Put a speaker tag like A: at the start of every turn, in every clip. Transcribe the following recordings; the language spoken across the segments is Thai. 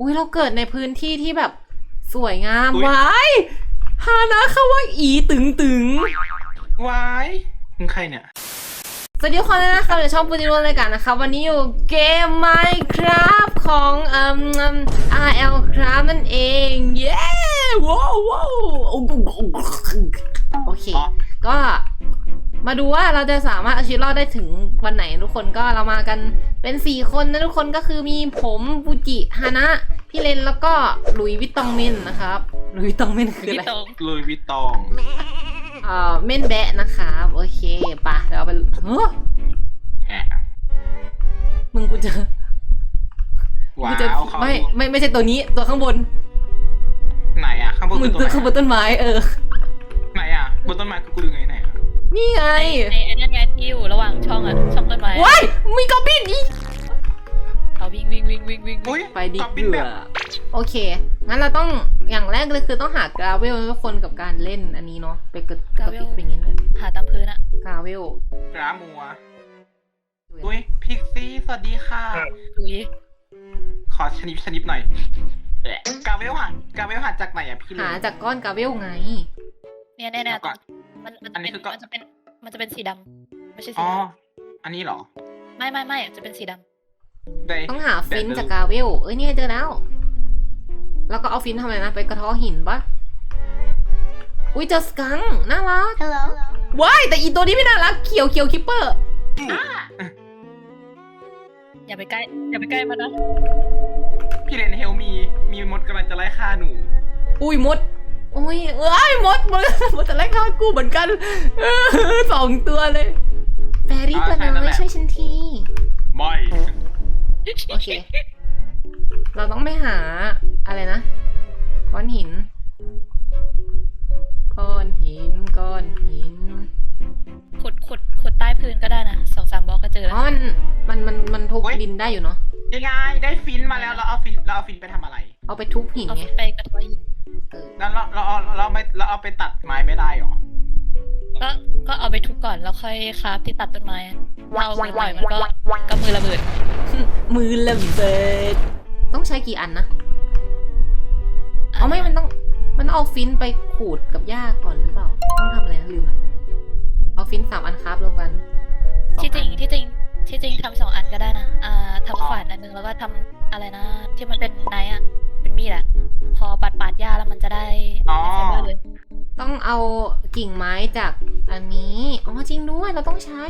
A: อุ้ยเราเกิดในพื้นที่ที่แบบสวยงามว้ายฮานะเขาว่าอีตึงตึง
B: วายมึงใครเนี่ย
A: สวัสดีทุกคนเลยนะคะเดี๋ยวช่องปูติโร่รายการนะคะวันนี้อยู่เกม Minecraft ของRL Craft นั่นเองเย้ว้าวว้าวโอเคก็มาดูว่าเราจะสามารถเอาชีวิตรอดได้ถึงวันไหนทุกคนก็เรามากันเป็น4คนนะทุกคนก็คือมีผมฟูจิฮานะพี่เลนแล้วก็หลุยส์วิตตองเมนนะครับหลุยส์วิตตองเมนคืออะไร
B: ลุยวิตตอง
A: เม่นแบะนะครับโอเคปะเราไปเฮ้อ
B: แอะ
A: มึงกูเจอ
B: ว้า
A: กูเจอ
B: วเขา
A: ไม่ใช่ตัวนี้ตัวข้างบน
B: ไหนอ่ะข้างบน
A: มึ
B: คื
A: ง
B: อตัว
A: ข้างบน
B: ไหน
A: ต้นไม้
B: ไหนอ่ะบนต้นไม้กูดูไงไหนอ่ะ
A: นี่ไง
C: ไอ้นั่นไงที่อยู่ระหว่างช่องอะช่องต้นไม้
A: ว้ายมีกอบบินอีก
C: เขาวิ่ง
B: อุ้ย
A: ไปดิ
B: ตอบบิน
A: เบื่
B: แบ
A: อบ โอเคงั้นเราต้องอย่างแรกเลยคือต้องหากราเวลทุกคนกับการเล่นอันนี้เนาะไปกระติกเป็นอย่างนี้เลย
C: หาตามพื้นอะ
A: กราเวล
B: กรามัวอุ้ยพิกซี่สวัสดีค่ะ
C: ดุย
B: ขอชนิดหน่อยแอะกาเวลหาจากไหนอ่ะพี่เล
A: หาจากก้อนกราเวลไง
C: เนี่ยมันจะเป็นสีดำไม่ใช่สี
B: อ๋อ
C: ด
B: อันนี้เหรอ
C: ำไม่จะเป็นสีด
B: ได้
A: ต้องหาฟินจากกราเวลเอ้ยเนี่ยเจอแล้วแล้วก็เอาฟินทำอะไรนะไปกระเท้อหินปะอุ้ยเจอสกังค์น่ารัก
C: Hello
A: ว้ายแต่อีตัวนี้ไม่น่ารักเขียวคิปเปอร์
C: อย่าไปใกล้มันนะ
B: พี่เลนเฮลมีมดกำลังจะไล่ฆ่าหนู
A: อุ้ยมดโอ้ยมดจะไล่ฆ่ากูเหมือนกัน2 ตัวเลยแฟรี่ตัวน้อยช่วยฉันที
B: ไม่
A: โอเค เราต้องไปหาอะไรนะก้อนหิน
C: ขุดใต้พื้นก็ได้นะ2-3 บล็อกก็เจอ
A: อ๋อมันทุบดินได้อยู่เนาะ
B: ยังไงได้ฟินมาแล้วเราเอาฟินไปทำอะไร
A: เอาไปทุบหิน
C: เอา
A: ไง
C: ไปกระทอยหิน
B: แล้วเราเอาไปตัดไม้ไม่ได้หรอ
C: ก็เอาไปทุบก่อนแล้วค่อยคราฟที่ตัดต้นไม้เราเอาไปปล่อยมันก็มือระเบิด
A: มือระเบิดต้องใช้กี่อันนะอ๋อไม่มันต้องเอาฟินไปขูดกับหญ้าก่อนหรือเปล่าต้องทำอะไรนะลืมอะเอาฟิน3 อันครับรวมกัน
C: ที่จ
A: 2
C: ริ
A: อั
C: ง
A: น
C: ที่จริงทำ2 อันก็ได้นะทำขวานอันนึงแล้วก็ทำอะไรนะที่มันเป็นไนท์อะเป็นมีดอะพอปาดหญ้าแล้วมันจะได้ไฟเบอร์เลย
A: ต้องเอากิ่งไม้จากอันนี้อ๋อจริงด้วยเราต้องใช้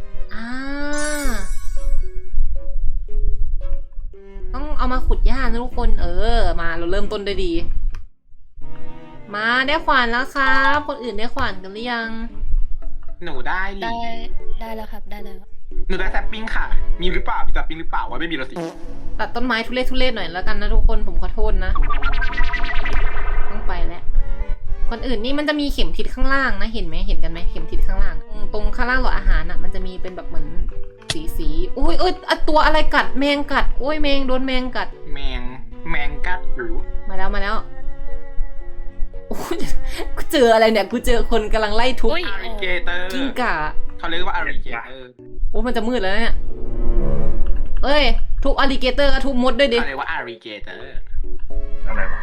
A: ต้องเอามาขุดหญ้านะทุกคนมาเราเริ่มต้นได้ดี มาได้ขวานแล้วครับคนอื่นได้ขวานกันหรือยัง
B: หนูได้
C: ได้แล้วครับได้แล้ว
B: หนูได้แซปปิ้งค่ะ มีหรือเปล่ามีแซปปิ้งหรือเปล่าวะไม่มีแล้วสิ
A: ตัดต้นไม้ทุเรศหน่อยแล้วกันนะทุกคนผมขอโทษนะต้องไปแล้วคนอื่นนี่มันจะมีเข็มทิศข้างล่างนะเห็นไหมเห็นกันไหมเข็มทิศข้างล่างตรงข้างล่างหลอดอาหารอ่ะมันจะมีเป็นแบบเหมือนสีอุ้ยตัวอะไรกัดแมงกัดโอ้ยแมงโดนแมงกัด
B: แมงกัดหรือ
A: มาแล้วโอ้ยกูเจออะไรเนี่ยกูเจอคนกำลังไล่ทุบ
B: อาริเกเตอร์
A: กิ้งก่า
B: เขาเรียกว่าอาริเกเตอร์
A: โอ้มันจะมืดแล้วเนี่ยเอ้ยทุบอลิเกเตอร์ก็ทุบมดด้วยดิ
B: เขาเรียกว่าอาริเกเตอร์
D: อะไรวะ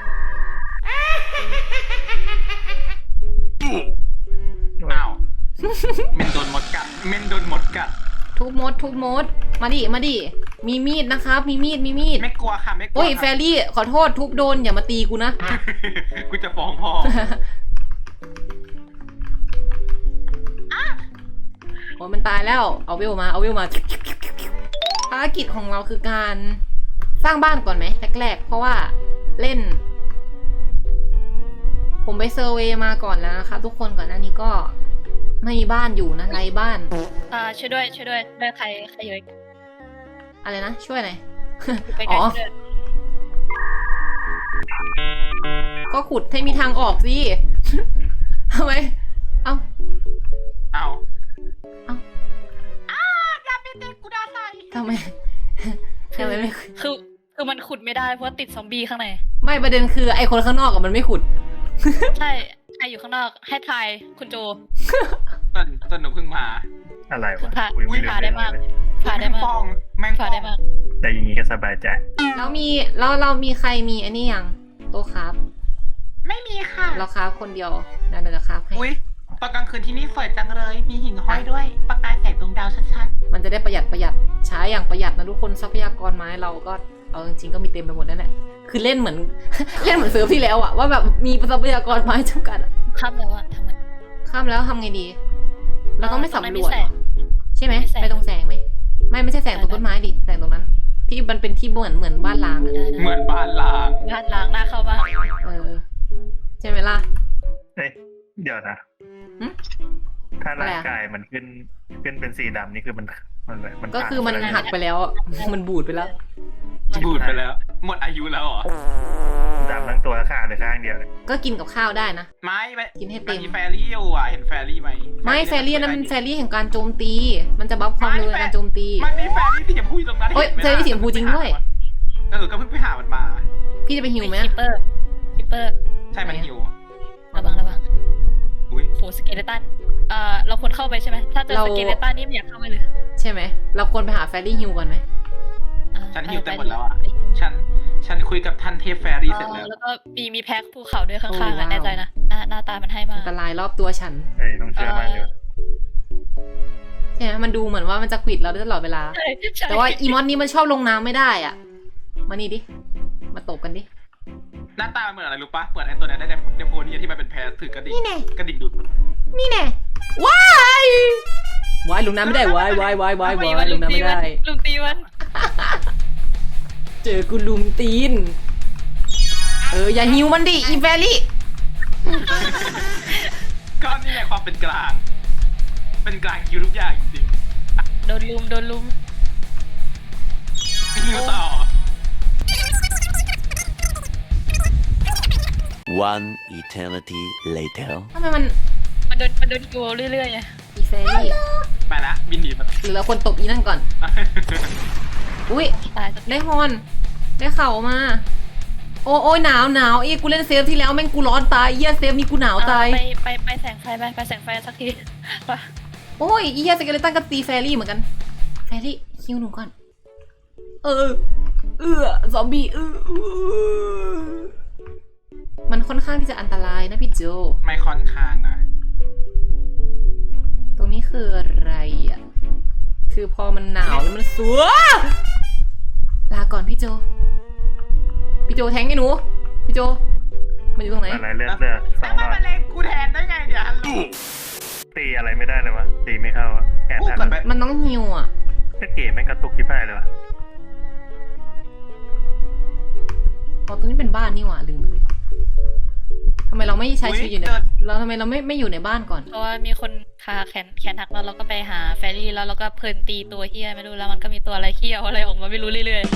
B: อ้าวเมนโดนมดกัด
A: ทุบมดมาดิมีมีดนะครับมีมีด
B: ไม่กลัวค่ะไม่กลัว
A: โอ้ยแฟรี่ขอโทษทุบโดนอย่ามาตีกูนะ
B: กูจะฟ้องพ่อ
A: โอ้ยมันตายแล้วเอาเวลมาภารกิจของเราคือการสร้างบ้านก่อนไหมแรกๆเพราะว่าเล่น ผมไปเซอร์เวย์มาก่อนแล้วนะคะทุกคนก่อนหน้านี้ก็ไม่มีบ้านอยู่นะไร้บ้าน
C: ช่วยด้วยได้ใครเยอะ
A: อะไรนะช่วยหน่อย
C: ไป
A: อ๋
C: กัน
A: อ ก็ขุดให้มีทางออกสิ ทำไมเอา
B: อย่าเป็นเด็กกูด่าใส่
A: ทำไมไม่
C: คือมันขุดไม่ได้เพราะติดซอมบี้ข้างใน
A: ไม่ประเด็นคือไอคนข้างนอกกับมันไม่ขุด
C: ใช่ใครอยู่ข้างนอกให้ทายคุณโจ
B: ตอนหนูเพิ่งมา
D: อะไร
C: คุ
D: วะ
C: ณพา
D: อุ๊ย
C: พาได้มาก
D: เลย
C: พาได้มาก
B: ป้องแมง
C: ฝากได้มาก
D: แต่อย่างนี้ก็สบายใจ
A: แล้วเรามีใครมีอันนี้ยังโต๊ะครับ
B: ไม่มีค่ะ
A: เราครับคนเดียวเดี๋ยวจะครับให้
B: อุ้ยตอนกลางคืนที่นี่สวยจังเลย มีหิ่งห้อยด้วย ประกายแสงดวงดาวชัด
A: มันจะได้ประหยัดใช้อย่างประหยัดนะทุกคนทรัพยากรไม้เราก็เอาจริงๆก็มีเต็มไปหมดนั่นแหละคือเล่นเหมือน เล่นเหมือนเซิร์ฟที่แล้วอะว่าแบบมีทรัพยากรไม้จำกัดอะ
C: ค่ำแล้วอะทำไง
A: ข้ามแล้วทำไงดี เราต้องไม่
C: ตรงนั้น
A: สำร
C: มี
A: วจ
C: แส
A: เหรง อใช่ไหม
C: มีแสง
A: ไปตรงแสงไหมไม่ใช่แสงตรงต้นไม้ดิแสงตรงนั้น ที่มันเป็นที่เหมือนบ้านล้างอะ
B: ๆ เหมือนบ้านล้าง
C: บ้านล้างหน้าเข้าบ้าน
A: ใช่ไหมล่ะ
D: เอ้ยเดี๋ยวนะ
A: หึ
D: ถ้าร่าง
A: อะไรอะ
D: กายมันขึ้นเป็นสีดำนี่คือมัน
A: ก็คือมัน
D: ตาย
A: หักไปแล้วอะมันบูดไปแล้ว
B: บูดไปแล้ว หมดอายุแล้วเหรอ
D: ดำทั้งตัวขาดหรือข้างเดียวเลย
A: ก็กินกับข้าวได้นะ
B: ไม่
A: กินให้เต็
B: มัน
A: ม
B: มีแฟรี่อยู่อ่ะ เห็นแฟรี่ไหม
A: ไม่แฟรี่นั้นมันแฟรี่แห่งการโจมตี มันจะบัฟความเร็วในการโจมตี
B: มันมีแฟรี่ที่จะพูดตรงนั้น
A: เฮ้ย
B: ห็นไหม
A: แฟรี่สีชมพูจริงด้วย
B: ก็เพิ่งไปหามันมา
A: พี่จะไปฮิวไหม
C: คิปเปอร์คิปเปอร์
B: ใช่มันหิว
C: ระวัง
B: อุ้ย
C: โหสเกเลตันเราควรเข้าไปใช่ไหมถ้าเจอ
A: เรา
C: สเกเลตันนี่ไม่อยากเข้าไปเลย
A: ใช่ไหมเราควรไปหาแฟรี่ฮิวก่อนไหม
B: ฉันหิวเต็มหมดแล้วอ่ะ ฉันคุยกับท่านเทพแฟรี่เสร็จแล้ว
C: แล้วก็มีแพ็คภูเขาด้วยข้างๆ
A: โอ้
C: อะ
A: ว้าว
C: แน่ใจนะหน้าตามันให้มา
A: อันตรายรอบตัวฉัน
D: เอ้ยต้องเชื่อมันอยู่
A: ใช่ไหมมันดูเหมือนว่ามันจะขวิดเราได้ตลอดเวลา
C: ใช่ใช่
A: แต่ว่าอีมอนนี้มันชอบลงน้ำไม่ได้อ่ะ มานี่ดิ มาตบกันดิ
B: หน้าตามันเหมือนอะไรรู้ปะเหมือนไอ้ตัวนั้นได้เดโพนี่ที่มันเป็นแพสถือกระดิ่ง
A: นี่แน่
B: กระดิ่งดูด
A: นี่แน่ว้ายว้ายลงน้ำไม่ได้ว้ายลงน้ำไม่ได้
C: ลุงตีมัน
A: เจอกูลุมตีน อย่าหิวมันดิอีแฟรี่
B: ก็นี่ไงความเป็นกลาง เป็นกลางคิวทุกอย่างจริง
C: โดนลุม
B: ๆคิวต่อ
E: One eternity later.
A: ทำไมมัน
C: มันโดนคิวเรื่อยๆไง
A: อีแฟรี่
B: ไปละบินหนีมา
A: หรือเราควรตบอีนั่นก่อน อุ้ย
C: ตายสัก
A: ได้ฮอน ได้เข่ามา โอ้ยหนาวอีกูเล่นเซฟที่แล้วแม่งกูร้อนตายเหี้ยเซฟนี้กูหนาวตาย
C: ไปแสงไฟไปแสงไฟสักทีไป
A: โอ้ยอีเหี้ยสเกเลตันก็ตีแฟรี่เหมือนกัน แฟรี่คิวหนูก่อน ซอมบี้มันค่อนข้างที่จะอันตรายนะพี่โจ
B: ไม่ค่อนข้างนะ
A: ตรงนี้คืออะไรอ่ะ คือพอมันหนาวแล้วมันสัวลาก่อนพี่โจ พี่โจแทงไอ้หนู พี่โจ มันอยู่ตรงไหน
D: อะไรเลือดส
B: แล้
D: อ
B: ว
D: ง
B: มัน
D: รอด
B: มาเล็งกูแทนได้ไงเดี๋ยวฮัลโหล
D: ตีอะไรไม่ได้เลยวะตีไม่เข้าอะแขน
B: พูด
D: ทัน
B: ก่อนไป
A: มันต้องฮิวอ่ะ
D: ถ้าเก๋แม่งกระตุกที่พ่ายเลยวะ
A: อ๋อตรงนี้เป็นบ้านนี่หว่าลืมไปเลยทำไมเราไม่ใช้ชีวิตอยู่ในเราทำไมเราไม่อยู่ในบ้านก่อน
C: เพราะว่ามีคนขาแขนหักเราก็ไปหาแฟรี่แล้วเราก็เพลินตีตัวเฮียไม่รู้แล้วมันก็มีตัวอะไรเฮียอะไรออกมาไม่รู้เรื่อย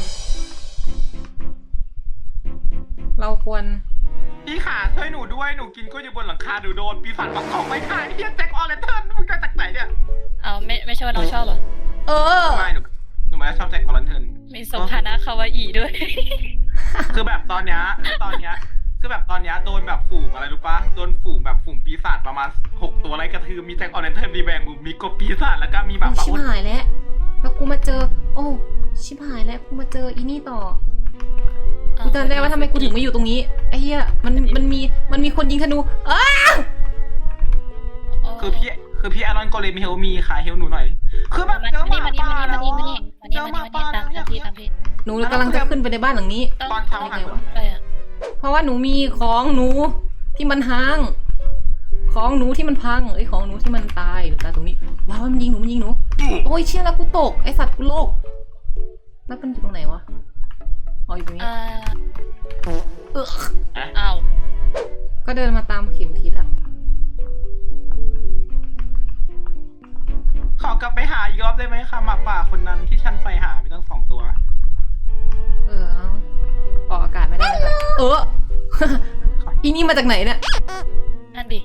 A: เราควร
B: พี่ขาช่วยหนูด้วย หนูกินก็อยู่บนหลังคาหนูโดนปีศาจปักของไม่ขายเฮียแจ็คออเลนเทิร์นมึงมาจากไหนเนี่ย
C: ๆเอาไม่ใช่ว่าน้องชอบเหรอ
B: ไม่หนูไม่ได้ชอบแจ็คออเลนเทิร์น
C: มีสมฐานะคาวาอิด้วย
B: คือแบบตอนเนี้ยโดนแบบฝูงอะไรรู้ปะโดนฝูงแบบฝูงปีศาจประมาณ6ตัวไล่กระทืบมีแจ็คออเรนเทิร์นรีแบงมุมมีกบปีศาจแล้วก็มีแบบ
A: ชิบหายแล้ว แล้วกูมาเจอ โอ้ชิบหายแล้วกูมาเจออีนี่ต่อ กูจำได้ว่าทำไมกูถึงไม่อยู่ตรงนี้ ไอ้เหี้ย มันมีคนยิงธนูอ้า
B: คือพี่อารอนโกเลมเฮลมีค่ะเฮลหนูหน่อย คือแบบเจอหมาป่าแล้วเจอหมาป่า
C: ตามพี่
A: หนูกำลังจะขึ้นไปในบ้านหลังนี้
B: ตอนเช้าหัน
C: ไปอ่ะ
A: เพราะว่าหนูมีของหนูที่มันห้าง ของหนูที่มันพังไอ้ยของหนูที่มันตายหรือตายตรงนี้ ว้าวมันยิงหนู โอ้ยเชี่ยแล้วกูตกไอสัตว์กูโลก แล้วมันอยู่ตรงไหนวะ อ๋ออยู่ตรงนี้
C: อ้าว
A: ก็เดินมาตามเข็มทิศอะ
B: ขอกลับไปหาอีกรอบได้ไหมคะหมาป่าคนนั้นที่ฉันไปหามีตั้ง2 ตัว
A: เอาออกอากาศไม่ได้นะคะอีนี่มาจากไหนเนี่ย
C: นั่นดิ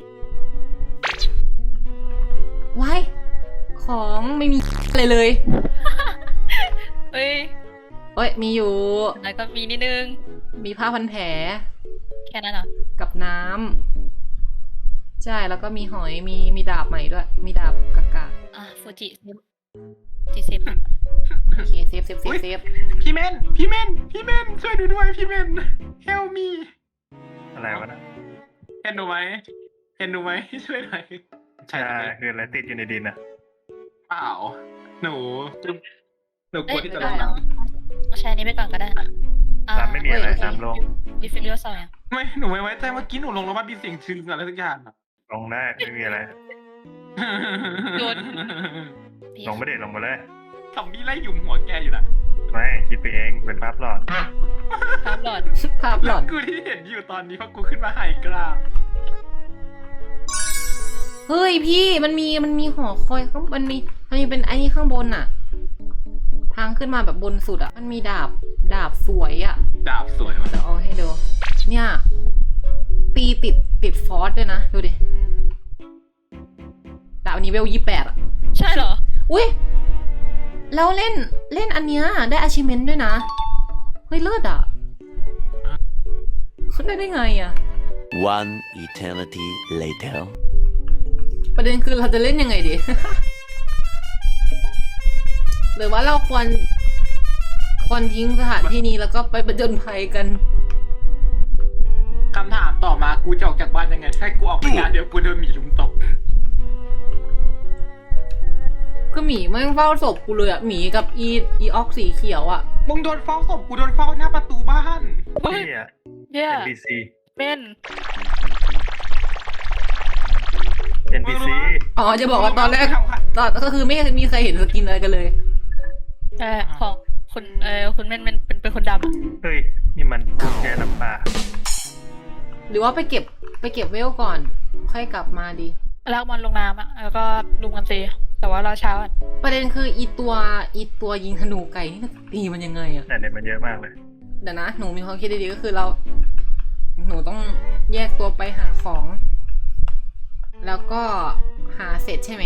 A: ว้ายของไม่มีอะไรเลย
C: เฮ้ย
A: เอ้ยมีอยู่
C: แล้วก็มีนิดนึง
A: มีผ้าพันแผล
C: แค่นั้นเหรอ
A: กับน้ำใช่แล้วก็มีหอยมีดาบใหม่ด้วย มีดาบกากา
C: ฟูจิตีเซฟ
A: โอเคเซฟเซฟเซฟเซฟ
B: พี่เมนช่วยดูด้วยพี่เมน help me
D: อะไรวะนะ
B: เห็นหนูไหมช่วยหน่อย
D: ใช่คืออะไรติดอยู่ในดินนะ
B: เปล่าหนูกลัวที่จะ
C: ได้
B: ลง
C: แล้
B: น้
C: วใช้อันนี้ไปก่อนก็ได้อ่า
D: น้ำไม่มีอะไรน้ำลง
C: ดิฟิลิโอสองอย่าง
B: ำไม่หนูไม่ไว้ใจเมื่อกี้หนูลงแล้วมันมีเสียงชึงอะไรสักอย่างอะ
D: ลงได้ไม่มีอะไร ลงไม่ได้ลงมาเลย
B: ซอมบี้ไล่หยุมหัวแกอยู่น่ะ
D: ไม่คิดไปเองเป็นภาพหลอด
C: ภาพหลอด
A: ภาพหลอน
B: กูที่เห็นอยู่ตอนนี้เพราะกูขึ้นมาไฮกราบ
A: เฮ้ยพี่มันมีหอคอยข้างมันมีเป็นไอ้นี่ข้างบนอะทางขึ้นมาแบบบนสุดอะมันมีดาบสวยอะ
B: ดาบสวยว่ะ
A: เดี๋ยวเอาให้ดูเนี่ยตีติดฟอสด้วยนะดูดิดาบอันนี้เวล28อะ
C: ใช่เหรอ
A: อุ้ยแล้วเล่นอันเนี้ยได้ achievement ด้วยนะเฮ้ยเลิศอะได้ไงอะ
E: One eternity later.
A: ประเด็นคือเราจะเล่นยังไงดี หรือว่าเราควรทิ้งสถานที่นี้แล้วก็ไปประจนภัยกัน
B: คำถามต่อมากูจะออกจากบ้านยังไงถ้ากูออกไปงานเดี๋ยวกูโดนหมีลุมตบ
A: คือหมีแม่งเฝ้าศพกูเลยอะหมีกับอีออกสีเขียวอะ
B: มึงโดนเฝ้าศพกูโดนเฝ้าหน้าประตูบ้าน
D: นี่อ่ะ
C: เนี่ย
D: NPC
C: เป็น
D: NPC
A: อ๋อจะบอกว่าตอนแรกก็คือไม่มีใครเห็นสกินอะไรกันเลย
C: ของคุณคุณเม่นเป็นคนดำอะ
D: เฮ้ย นี่มันกุญแจน้ำปลา
A: หรือว่าไปเก็บเวลก่อน ค่อยกลับมาดี
C: ลากมันลงน้ำอ่ะแล้วก็ลุมกันตีแต่ว่ารอเช้าอ่ะ
A: ประเด็นคืออีตัวยิงธนูไก่นี่ตีมันยังไงอะ
D: แต่เด็ดมันเยอะมากเลย
A: เดี๋ยวนะหนูมีความคิดดีๆก็คือหนูต้องแยกตัวไปหาของ แล้วก็หาเสร็จใช่ไหม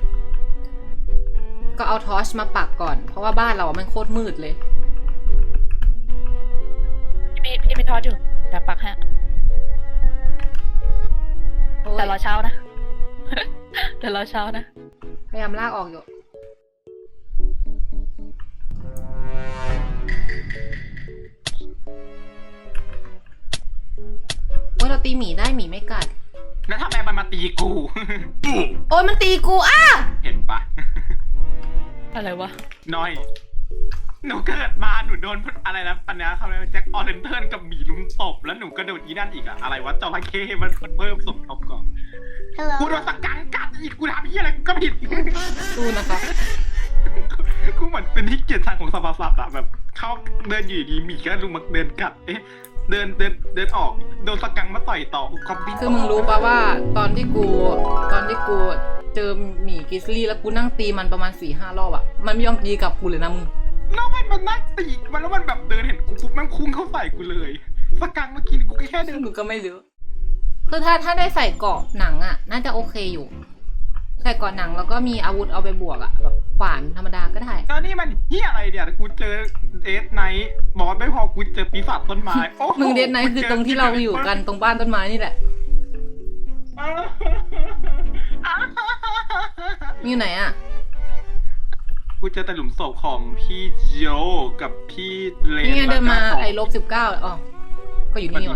A: ก็เอาทอร์ชมาปักก่อนเพราะว่าบ้านเราอะมันโคตรมืดเลย
C: พี่ไม่ทอดอยู่เดี๋ยวปักฮะ
A: โอ้ย
C: แต่รอเช้านะ แต่รอเช้านะ
A: พยายามลากออกอยู่โอ้ยเราตีหมีได้หมีไม่กัด
B: แล้วทำไมมันมาตีกู
A: โอ้ยมันตีกูอ้า
B: เห็นปะ
C: อะไรวะ
B: น้อย หนูเกิดมาหนูโดนอะไรนะปัญญาเขาเรียกว่าแจ็คออเรนเทิร์นกับหมีลุมตบแล้วหนูก็โดนอีนั่นอีกอะอะไรวะจระเข้มันเพิ่มสมทบก่อนกูโดนสกังกัดอีกกูทำยี่อะไรกูก็ผิด
A: สู้นะคะ
B: กูเหมือนเป็นที่เกียรติชังของสรรพสัตว์อะแบบเขาเดินอยู่ดีหมีก็ลุมมาเดินกัดเดินออกโดนสกังมาต่อยต่อก็บิน
A: คือมึงรู้ปะว่าตอนที่กูเจอหมีกริซลี่แล้วกูนั่งตีมันประมาณ 4-5 รอบอะมันไม่ยอมตีกลับกูเลยนะมึง
B: แล้วมันนั่งตีมันแล้วมันแบบเดินเห็นกูปุ๊บมันคุ้งเข้าใส่กูเลยสกังเมื่อกี้กูแค่เดิ
A: ซึ่
B: น
A: งกูก็ไม่รู้คือถ้าได้ใส่เกราะหนังอะน่าจะโอเคอยู่ ใส่เกราะหนังแล้วก็มีอาวุธเอาไปบวกอะแบบขวานธรรมดาก็ได้
B: แล้วนี่มันเฮียอะไรเนี่ยกูเจอเอสไนท์บอสไม่พอกูเจอปีศาจต้นไม้โอ้โห
A: มึงเดนไนท์คือตรงที่เราอยู่กันตรงบ้านต้นไม้นี่แหละมีอยู่ไหนอะ
B: กูเจอแต่หลุมศพของพี่โจกับพี่เลน
A: นี่ไงเดินมา
B: แล้วก็
A: ไอ้-19อ๋อก็อยู่นี่ว่ะ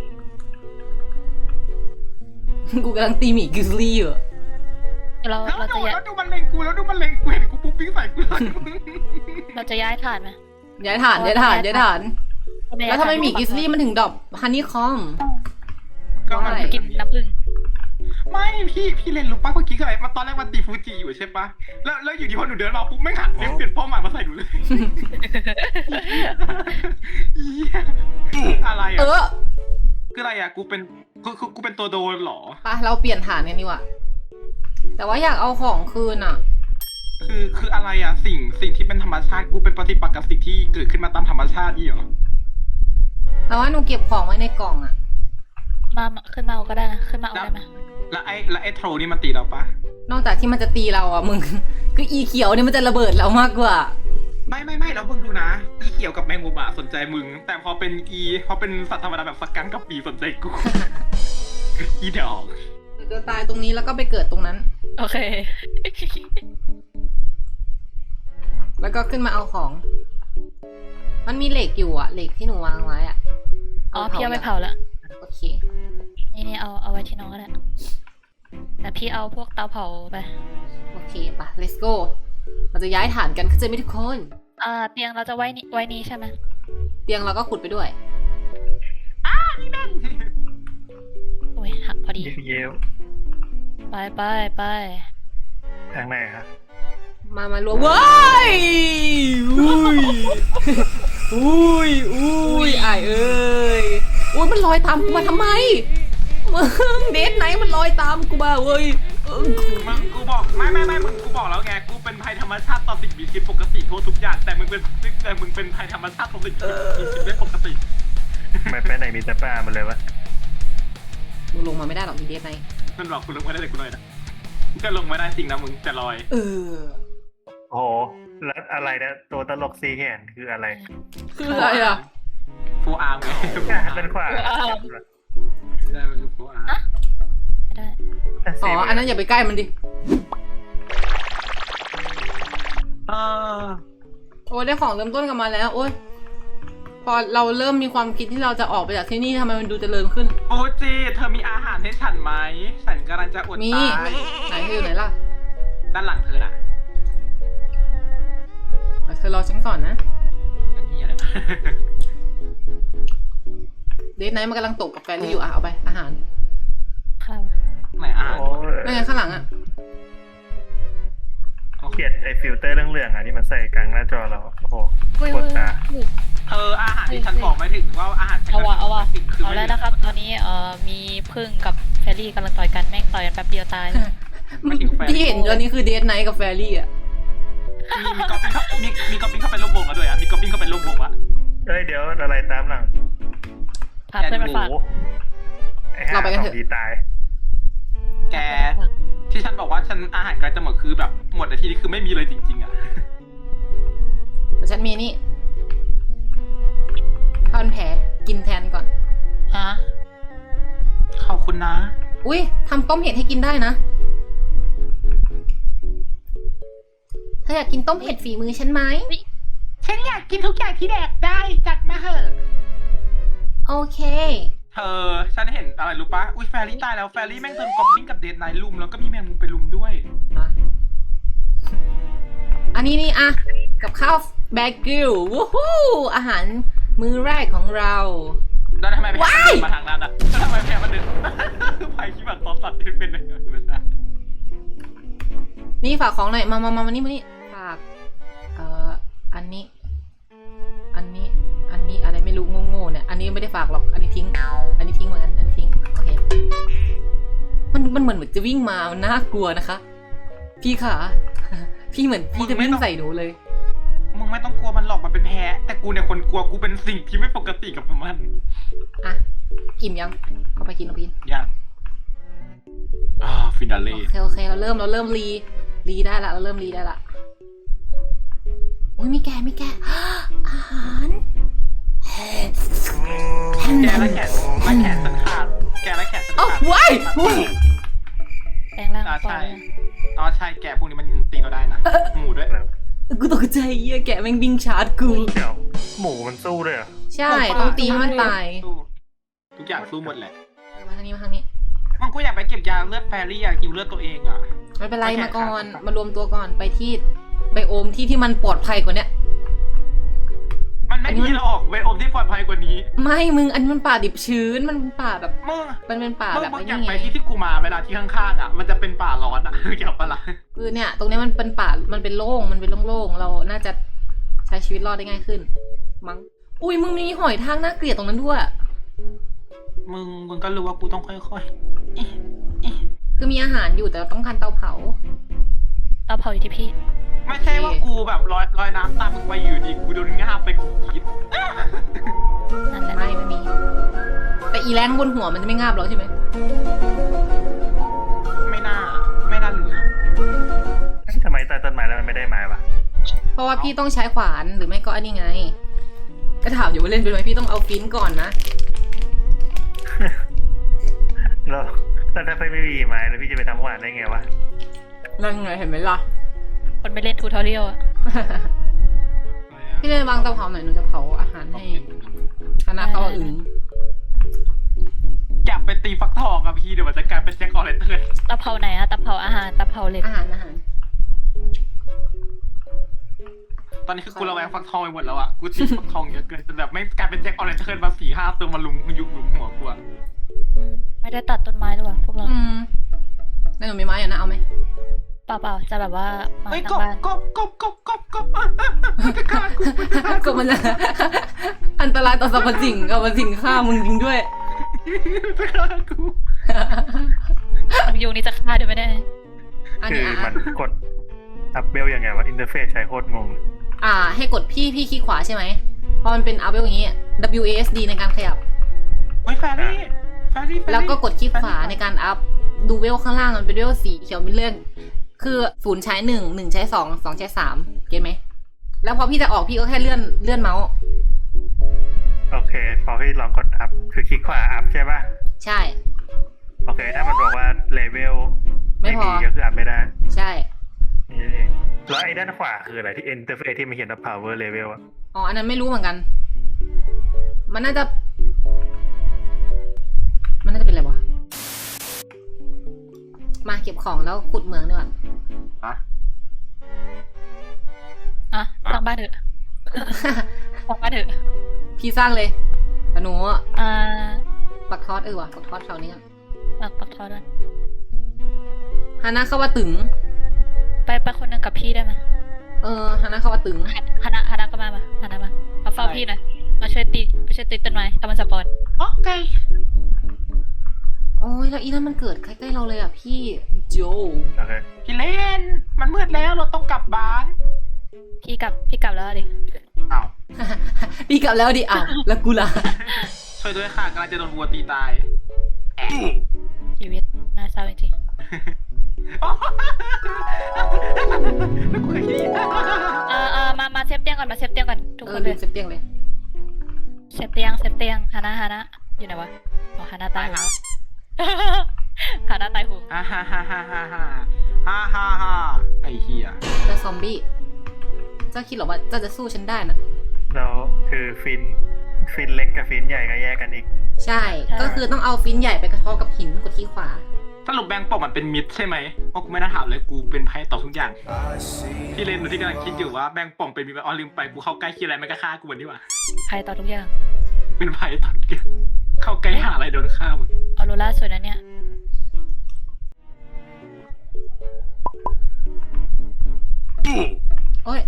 A: กูกำลังตีหมีกริซลี่อยู่
C: เรา
B: แล้ว
C: จะย้าย
B: ดูมันเล็งกูแล้วดูมันเล็งกูเห็นกูปุ๊บปิ้งใส่กูเลย
C: เราจะย้ายฐานไหม
A: ย้ายฐานแล้วทำไมหมีกริซลี่มันถึงดรอปฮันนี่คอม
B: ก็มัน
A: อะไร
C: กินน้ำผึ้ง
B: ไม่พี่เลนรู้ป่ะเมื่อกี้ก็อะไรมาตอนแรกมันตีฟูจิอยู่ใช่ปะแล้วอยู่ดีพอหนูเดินมาปุ๊บไม่หันเปลี่ยนเป้าหมายมาใส่หนูเลยอะไร
A: เอ
B: อ่ะ
A: อ
B: คืออะไรอ่ะกูเป็นตัวโดนเหรอ
A: ไปเราเปลี่ยนฐานกันดีกว่าแต่ว่าอยากเอาของคืนอ่ะ
B: คืออะไรอ่ะสิ่งที่เป็นธรรมชาติกูเป็นปฏิปักษ์กับสิ่งที่เกิดขึ้นมาตามธรรมชาตินี่เหรอ
A: แต่ว่าหนูเก็บของไว้ในกล่องอ่ะ
C: มาขึ้นมาเอาก็ได้นะขึ้นมาเอาได้ไหม
B: แล้วไอ้โทรนี่มันตีเราปะ
A: นอกจากที่มันจะตีเราอ่ะมึง คืออีเขียวเนี่ยมันจะระเบิดเรามากกว่า
B: ไม่แล้วมึงดูนะอีเขียวกับแมงมุมอะสนใจมึง แต่พอเป็นสัตว์ธรรมดาแบบสกังกับปีสนใจกู อีดอก
A: จะตายตรงนี้แล้วก็ไปเกิดตรงนั้น
C: โอเค
A: แล้วก็ขึ้นมาเอาของ มันมีเหล็กอยู่อะเหล็กที่หนูวางไว้อะ
C: อ๋อพี่เอาไปเผาแล้ว
A: โอเค
C: นี่เอาไว้ที่น้องก็ได้แต่พี่เอาพวกเตาเผาไป
A: โอเคปะ let's go เราจะย้ายฐานกันเข้าใจไหมทุกคน
C: เตียงเราจะไว้นี้ใช่ไหม
A: เตียงเราก็ขุดไปด้วย
C: โอ้ยหักพอดี
D: เย้ว
C: ไป
D: ทางไหนครับ
A: มารวมว้ายอุ้ยอายเอ้ยอุ้ยมันลอยตามกูมาทำไมมึงเดทไหนมันลอยตามกูมาเว้ย
B: มึงกูบอกไม่มึงกูบอกแล้วไงกูเป็นภัยธรรมชาติต่อสิ่งมีชีวิตปกติทั่วทุกอย่างแต่มึงเป็นภัยธรรมชาติต่อสิ่งมีชีวิตไม่ปกติ
D: ไม่ไปไหนมีแต่ป่ามันเลยวะ
A: มึงลงมาไม่ได้หรอกมีเดทไหน
B: มันบอกกูลงไม่ได้เลยกูเลยนะก็ลงไม่ได้จริงนะมึงจะลอย
D: โอ้โหแล้วอะไรนะตัวตลกซีแขนคืออะไร
A: คืออะไรอ่ะ
B: ฟูอาร์มไง
D: เป็นขวา
B: ได้มันคือฟูอาร์ม
C: ไม่ได้
A: อ๋ออันนั้นอย่าไปใกล้มันดิ โอ้ยได้ของเริ่มต้นกลับมาแล้ว โอ้ยพอเราเริ่มมีความคิดที่เราจะออกไปจากที่นี่ทำไมมันดูเจริญขึ้น
B: โอ้จีเธอมีอาหารให้ฉันไหมฉันกำลังจะอด
A: มี
B: ตาย
A: ไหนเธออยู่ไหนล่ะ
B: ด้านหลังเธอน่ะ
A: เธอรอฉันก่อนนะ
B: นั่นที่อะไรนะ
A: เดทไนท์มันกำลังตกกับแฟรี่อยู่อ่ะเอาไปอาหาร
C: ข้าว
B: ไหนอาหาร
D: โอ้
A: นั่นไงข้างหลังอ่ะ
D: เกลียดไอ้ฟิลเตอร์เรื่องๆอ่ะที่มันใส่กลางหน้าจอเราโอ้โหปวดตา
B: เธออาหารที่ฉันบอกไม่ถึงว่าอาหารฉัน
C: เอาว่ะ
B: คือ
C: เอาแล้วนะครับ ตอนนี้มีพึ่งกับแฟรี่กำลังต่อยกันแม่งต่อยกันแป๊บเดียวตาย
A: ที่เห็นตอนนี้คือเดทไนท์กับแฟรี่อ่ะ
B: มีกอบบิ้งเข้าไปร่วมวงแล้วด้วยอ่ะมีกอบบิ้งเข้าไปร่วมวงอ่ะ
D: เอ้ยเดี๋ยวอะไรตามหลัง
C: พาเพื่อนมา
D: โอ้
C: ฝาก
D: โหไอ้ห่าของดีตาย
B: แกที่ฉันบอกว่าฉันอาหารใกล้จะหมดคือแบบหมดในที่นี้คือไม่มีเลยจริงๆอ่ะ
A: แต่ฉันมีนี่ข้าวมันแผลกินแทนก่อน
B: ฮะขอบคุณนะ
A: อุ้ยทำต้มเห็ดให้กินได้นะเธออยากกินต้มเห็ดฝีมือฉันไหม
B: ฉันอยากกินทุกอย่างที่แดกได้จัดมาเหอะ
A: โอเค
B: เธอฉันเห็นอะไรรู้ปะอุ้ยแฟรี่ตายแล้วแฟรี่แม่งโดนกอบบิ้งกับเดนไนท์ลุมแล้วก็มีแมงมุมไปลุมด้วย
A: อันนี้นี่อะกับข้าวแบกิลวู้ฮู้อาหารมื้อแรกของเรา
B: แล้วทำไมแพ้มันเดินมาทางนั้นอ่ะแล้วทำไมแพ้มันเดิน ภัยคิดแบบตอนสัตว์เป็นไม่ใช่
A: นี่ฝากของหน่อยมานี่ฝากอันนี้อะไรไม่รู้โง่ๆเนี่ยอันนี้ไม่ได้ฝากหรอกอันนี้ทิ้งเหมือนกันอันนี้ทิ้งโอเคมันเหมือนจะวิ่งมามันน่ากลัวนะคะ พี่ขา พี่เหมือนพี่จะวิ่งใส่หนูเลย
B: มึงไม่ต้องกลัวมันหรอกมันเป็นแพ้แต่กูเนี่ยคนกลัวกูเป็นสิ่งที่ไม่ปกติกับมัน
A: อ่ะอิ่มยังเอาไปกิน
B: ยังฟินาเล่
A: โอเคเราเริ่มรีได้ละเราเริ่มรีได้ละอุ้ยมีแกะ อาหาร
B: แกและแขนฉันขาดแกและแขนฉัน
A: โอ้
B: ขาด
A: ว้าย
C: แปลงร่าง
B: ใช่ใช่แกพวกนี้มันตีเราได้นะหมูด้วย
A: กูตกใจเหี้ยแกะแม่งบิงชาร์จกู
D: เดี๋ยวหมูมันสู้ด้วยเหรอ
A: ใช่ต้องตีให้มันตาย
B: ทุกอย่างสู้หมดแหละ
A: มาทางนี้
B: มันกูอยากไปเก็บยาเลือดแฟรี่อะกินเลือดตัวเองอะ
A: ไม่เป็นไรมาก่อนมารวมตัวก่อนไปที่ไบโอมที่มันปลอดภัยกว่าเนี้ย
B: มันไม่มีหรอกเวทอมที่ปลอดภัยกว่านี้
A: ไม่มึงอันนี้มันป่าดิบชื้นมันเป็นป่าแบบ
B: มึง
A: มันเป็นป่าแบบ
B: มึง
A: ไอ้
B: อยาก
A: นี่
B: ไป
A: ไง
B: ที่กูมาเวลาที่ข้างๆอะมันจะเป็นป่าร้อนอะเกี่ยวปะล่ะ
A: คือเนี่ยตรงนี้มันเป็นป่ามันเป็นโล่งเราน่าจะใช้ชีวิตรอดได้ง่ายขึ้นมั้งอุ้ยมึงมีหอยทากน่าเกลียดตรงนั้นด้วย
B: มึงก็รู้ว่ากูต้องค่อย
A: คือมีอาหารอยู่แต่ต้องการเตาเผา
C: เตาเผาอยู่ที่พี่
B: ๆไม่ใช่ว่ากูแบบลอยน้ำตามมึงไปอยู่ดีกูโดนง่าบไปกูคิด
C: นั่นแหละ
A: ไม่มี แต่อีแรงบนหัวมันจะไม่งาบหรอกใช่ไหม
B: ไม่น่าเหลือ
D: ทำไมใต้ต้นไม้แล้วมันไม่ได้ไม้วะ
A: เพราะว่าพี่ต้องใช้ขวานหรือไม่ก็อันนี้ไง ก็ถามอยู่ว่าเล่นเป็นไหมพี่ต้องเอาฟินก่อนนะ
D: แล้วถ้าไม่มีไม้แล้วพี่จะไปทำหวานได้ไงวะ
A: นั่นไงเห็นไหมล่ะ
C: คนไปเล่นทูทอเรียลอะ
A: พี่เลนวางเตาเผาหน่อยหนูจะเผาอาหารให้คณะเขาอื่น
B: อยากไปตีฟักทองอะพี่เดี๋ยวมันจะกลายเป็นแจ็คออเรนเทิร์น
C: ตะเภาไหนอะตะเภาอาหารตะเภาเหล็ก
A: อาหาร
B: ตอนนี้คือกูระแวงฟักทองไปหมดแล้วอะกูตีฟักทองเยอะเกินจนแบบไม่กลายเป็นแจ็คออเรนเทิร์นมา4-5 ตัวมาลุมยุบหลุมหัวกูอะ
C: ไม่ได้ตัดต้นไม้ด้วยว่ะพวกเรา
A: แล้วหนูมีไม้อยู่นะเอาไหม
C: เปล่าจะแบบว่ามา
B: เฮ้ย
C: ทางบ้าน
B: กบมันจะฆ่ากูมันจะฆ่า
A: ก็มันจะ อันตรายต่อสรรพสิ่งกับสิ่งฆ่ามึงจริงด้วย
B: มันจะฆ่ากู
C: ยุงนี้จะฆ่าด้วยไหมเนี่ย
A: อัน
D: คื
A: นี้
D: อมันกดอัพเบลยังไงวะอินเทอร์เฟซใช้โคตรงง
A: ให้กดพี่คลิกขวาใช่ไหมพอมันเป็นอัพอย่างนี้ WASD ในการขยับ
B: เฮ้ยแฟรี่
A: แล้วก็กดคลิกขวาในการอัพดูเวลข้างล่างมันเป็นเวลสีเขียวมีเลื่อนคือ0ใช้1ใช้2 2ใช้3เก็ตไหมแล้วพอพี่จะออกพี่ก็แค่เลื่อนเมาส์
D: โอเค พอพี่ลองกดอัพคือคลิกขวาอัพใช่ป่ะ
A: ใช่
D: โอเค ถ้ามันบอกว่าเลเวล
A: ไม่พอ
D: ดีก็คืออัพไม่ได้
A: ใช่
D: นี่เองแล้วไอ้ด้านขวาคืออะไรที่อินเทอร์เฟซที่มันเขียนว่า power level อะ
A: อ๋ออันนั้นไม่รู้เหมือนกัน มันน่าจะเป็นอะไรวะมาเก็บของแล้วขุดเหมืองดีกว่า
C: อ่ะสร้างบ้านเถอะสร้างบ้านเถอะ
A: พี่สร้างเลยแต่หนู
C: อ่า
A: ปักทอดว่ะปักทอดแถวนี้กัน
C: ปักทอดด้วย
A: ฮานะเข้าว่าตึง
C: ไปคนหนึ่งกับพี่ได้ไหม
A: ฮานะเข้าว่าตึง
C: ฮานะก็มาฮานะมาเฝ้าพี่หน่อยมาช่วยตีต้นไม้ทำมันสปอน
B: โอเค
A: โอ้ยแล้วอีนั่นมันเกิดใกล้ๆเราเลยอ่ะพี่โจ
D: โอเค
B: พี่เล่นมันมืดแล้วเราต้องกลับบ้าน
C: พี่กลับแล้วดิ
B: อ้าว
A: พี่กลับแล้วดิอ้าวแล้วกูล่ะ
B: ช่วยด้วยค่ะกำลังจะโดนวัวตีตายแอะ
C: ชีวิตน่าเศร้าจริง
B: ไม่เคยได้ยิน
C: มาเซฟเตียงก่อนทุกคนเล
A: ลื
C: ย
A: มเซฟเตียงเลย
C: เซฟเตียงฮานะอยู่ไหนวะอ๋อฮานะตายแล้วฮานะตายหู
B: ฮ่าฮ่าฮ่าฮ่าฮ่าฮ่าฮ่าฮ่าฮ่าไอ้เหี้ย
A: เจอซอมบี้เจ้าคิดเหรอว่าเจ้าจะสู้ฉันได้นะ
D: แล้วคือฟินเล็กกับฟินใหญ่ก็แยกกันอีก
A: ใช่ ก็คือต้องเอาฟินใหญ่ไปกระทบกับหินกดที่ขวา
B: สรุปแบงค์ปอกมันเป็นมิดใช่ไหมเพราะกูไม่น่าถามเลยกูเป็นไพ่ต่อทุกอย่างพี่เลนหนูที่กำลังคิดอยู่ว่าแบงค์ป่องเป็นมิดอ๋อลืมไปกูเข้าใกล้คิดอะไรมันก็ฆ่ากูวันนี้ว่ะ
C: ใครต่อทุกอย่าง
B: เป็นไพ่ต่อทุกอย่างเข้าใกล้หาอะไรโดนฆ่าหมด
C: ออโรราสวยนะเนี่ย
A: โอ้ย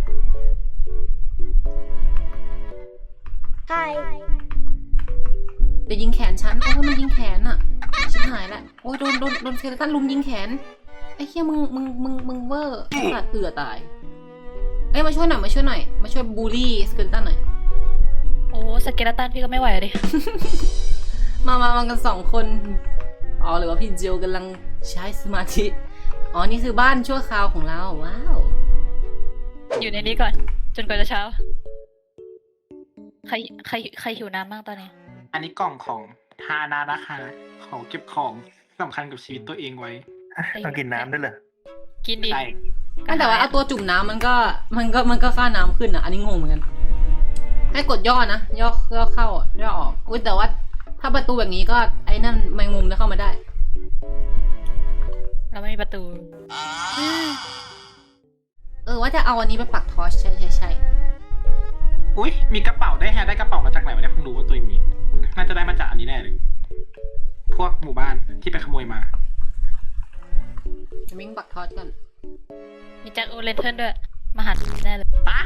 A: เดี๋ยวยิงแขนฉัน โอ้ยมันยิงแขนอะชิบหายละโอ้ยโดนสเกเลตันลุมยิงแขน ไอ้เหี้ยมึงเวอร์สัตว์ตาย เอ้ยมาช่วยหน่อย มาช่วยบูลลี่สเกเลตันหน่อย
C: โอ้สเกเลตันพี่ก็ไม่ไหวดิ
A: มากัน2 คน อ๋อหรือว่าพี่เจลกำลังใช้สมาธิ อ๋อ นี่คือบ้านชั่วคราวของเรา ว้าว
C: อยู่ในนี้ก่อน จนกว่าจะเช้า ใครหิวน้ำบ้างตอนนี้
B: อันนี้กล่องของฮานานะคะของเก็บของสำคัญกับชีวิตตัวเองไว้
D: ต้องกินน้ำด้วยเหรอ
C: กินดิ
B: ใช่
A: แต่ว่าเอาตัวจุ่มน้ำมันก็ค่าน้ำขึ้นอ่ะ อันนี้งงเหมือนกัน ให้กดย่อนะ ย่อเข้าย่อออกอุ้ยแต่ว่าถ้าประตูแบบนี้ก็ไอ้นั่นแมงมุมจะเข้ามาได้
C: เราไม่มีประตู
A: ว่าจะเอาอันนี้ไปปักทอชใช่
B: อุ้ยมีกระเป๋าได้กระเป๋ามาจากไหนวะเนี่ยเพิ่งรู้ว่าตัวเองมีน่าจะได้มาจากอันนี้แน่เลยพวกหมู่บ้านที่ไปขโมยมา
A: จะมิ่งปักทอชกัน
C: มีแจ็คโอเลนเทิร์นด้วย มาหาแน่เลย
B: ปะ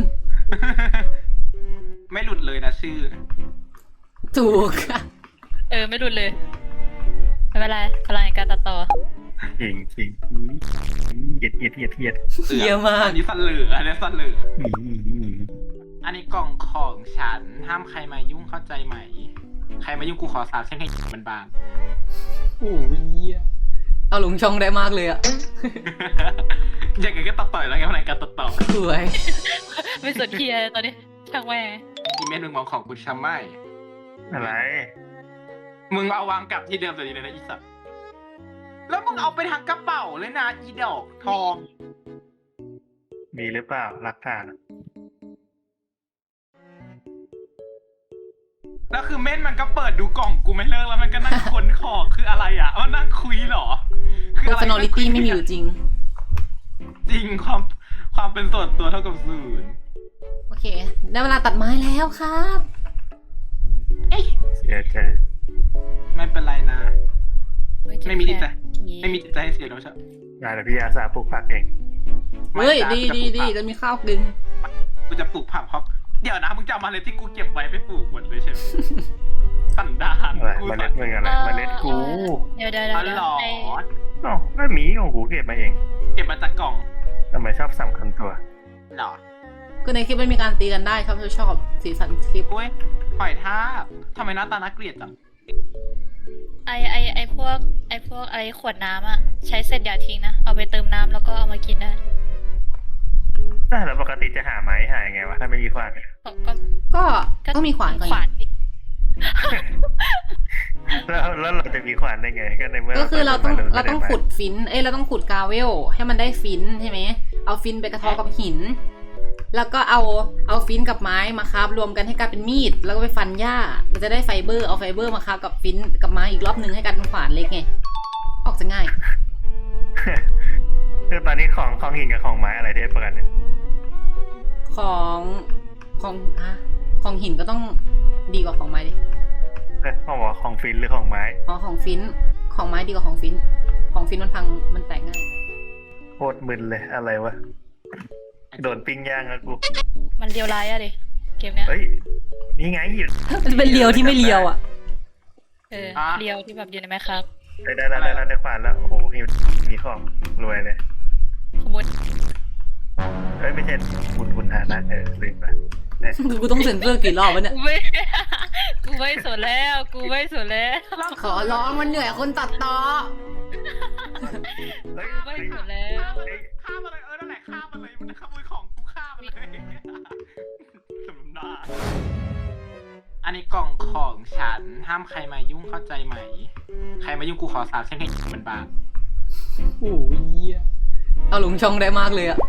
B: ไม่หลุดเลยนะชื่อ
A: ถูกค่ะ
C: ไม่หลุดเลย ไม่เป็นไรพลังแห่งการตัดต่อ
D: จริงเหยียด
A: เหี้ยมาก
B: อันนี้สั่นเหลืออันนี้สั่นเหลืออันนี้กล่องของฉันห้ามใครมายุ่งเข้าใจไหม ใครมายุ่งกูขอสาบแช่งให้มันบางโอ้ย
A: เอาลงช่องได้มากเลยอะ
B: อย่างไงก็ตัดต่อยแล้วไงพลังการตัดต่อ
A: สวย
C: ไม่สนเทียตอนนี้ช่างแม่
B: อีเมลมึงมองของกูช้ำไหม
D: อะไร
B: มึงเอาวางกลับที่เดิมเลยนะอีสัตว์แล้วมึงเอาไปทางกระเป๋าเลยนะอีดอกทอง
D: มีหรือเปล่าหลักฐานอะ
B: แล้วคือเม่นมันก็เปิดดูกล่องกูไม่เลิกแล้วมันก็นั่งค้นของคืออะไรอ่ะมันนั่งคุยเหรอ
A: personality ไม่มีอยู่จริง
B: จริงความเป็นส่วนตัวเท่ากับศูนย์
A: โอเค ได้เวลาตัดไม้แล้วครับ
D: เสียใจ
B: ไม่เป็นไรนะ
C: เฮ้ย
B: ไม่มีจิตใจ
C: ผี
B: ไม่มีจิตใจให้เสียโดยเฉพาะ
D: งานพี่อาสาปลูกผักเอง
A: เฮ้ย
B: ไม่
A: ดี
B: จ้ะ
A: จะมีข้าวกิน
B: กูจะปลูกผักเพราะเดี๋ยวนะมึงจะเอาเมาเล็ดที่กูเก็บไว้ไปปลูกหมดเลยใช่ไหม สันดาน
D: อะไร
B: กู
D: เมล็ดมึงอะไรเมล็ดกู
C: เดี๋ยว
B: อ๋อเหรอ
C: ไอ้
D: อ๋อก็หมีของกูเก็บมาเอง
B: เก็บมาจากกล่อง
D: ทำไมชอบสำคัญตัว
B: เหรอ
A: ก็ในคลิปมันมีการตีกันได้ครับถ้าชอบสีสันคลิป
B: โอ้ยหอยทากทำไมหน้าตาน่าเกลียดจัง
C: ไอ้พวกอะไรขวดน้ำอะใช้เสร็จอย่าทิ้งนะ เอาไปเติมน้ำแล้วก็เอามากินได้
D: แล้วปกติจะหาไม้หายังไงวะถ้าไม่มีขวานเนี่ย
C: ก็
A: ก็ต้องมีขวานก่อน
C: ขวานอีก
D: แล้วเราจะมีขวานได้ไงก็ในเมื่อ
A: ก็คือเราต้อง
D: ปิ
A: เรา
D: ไม้
A: ต้องขุดฟินเราต้องขุดกาเวลให้มันได้ฟินใช่ไหมเอาฟินไปกระเทาะกับหิน แล้วก็เอาฟินกับไม้มาคาบรวมกันให้กลายเป็นมีดแล้วก็ไปฟันหญ้าเราจะได้ไฟเบอร์เอาไฟเบอร์มาคาบกับฟินกับไม้อีกรอบนึงให้กลายเป็นขวานเล็กไงออกจะง่าย
D: คือตอนนี้ของหินกับของไม้อะไรเทพกันเนี่ย
A: ของหินก็ต้องดีกว่าของไม้ดิ
D: ของบอกของฟินหรือของไม้
A: อ๋อของฟินของไม้ดีกว่าของฟินมันพังมันแตกง่าย
D: โคตรมึนเลยอะไรวะโดนปิ้งย่างอะกู
C: มันเลียวร้ายอะดิเกมเนี้ย
D: เฮ้ยนี่ไงหิน
A: มันเป็นเลียวที่ไม่เลียวอ่ะ
C: เลียวที่แบบอยู่ในไหมครับ
D: ได้ขวานแล้วโอ้โหหินมีของรวยเลย
C: ขโมย
D: เฮ้ยไม่ใช่คุณฐานะลืมไป
A: กูต้องเซ็นเซอร์กี่รอบวะเนี่ย
C: กูไม่สนแล้ว
A: ขอร้องมันเหนื่อยคนตัดต่อ
D: เฮ้ย
C: ไม่สนแล้ว
B: ฆ่ามันเลยนั่นแหละฆ่ามันเลยมันจะขโมยของกูฆ่ามันเลยสมน้ำหน้าอันนี้กล่องของฉันห้ามใครมายุ่งเข้าใจไหม ใครมายุ่งกูขอสาบแช่งให้มันบาป
A: โอ้ยเอาลงช่องได้มากเลยอะ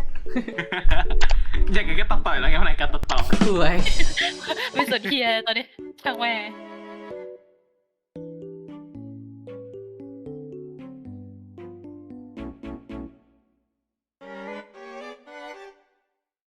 B: อย่างไงก็ตัดต่อยแล้วไงวันไหนการตัดต่อ
A: สวย
C: ไม่สนเทียตอนนี้ช่างแม่ง